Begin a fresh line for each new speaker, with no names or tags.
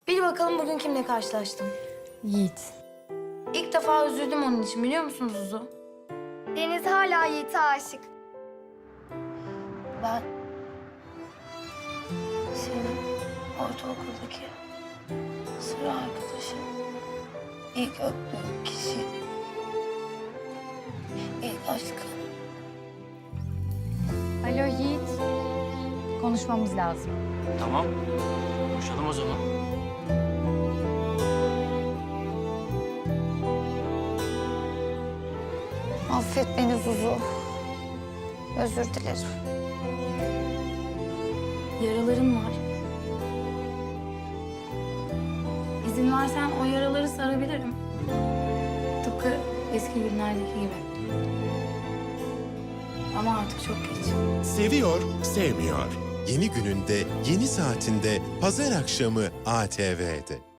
Bil bakalım bugün kimle karşılaştım.
Yiğit.
İlk defa üzüldüm onun için, biliyor musunuz Zuzu?
Deniz hala Yiğit'e aşık.
Ben senin ortaokuldaki sıra arkadaşın, ilk öptüğüm kişi, ilk aşkım.
Alo Yiğit. Konuşmamız lazım.
Tamam. Konuşalım o zaman.
Affet beni Zuzu. Özür dilerim. Yaralarım var. İzin versen o yaraları sarabilirim. Tıpkı eski günlerdeki gibi. Ama artık çok geç.
Seviyor, sevmiyor. Yeni gününde, yeni saatinde, pazar akşamı ATV'de.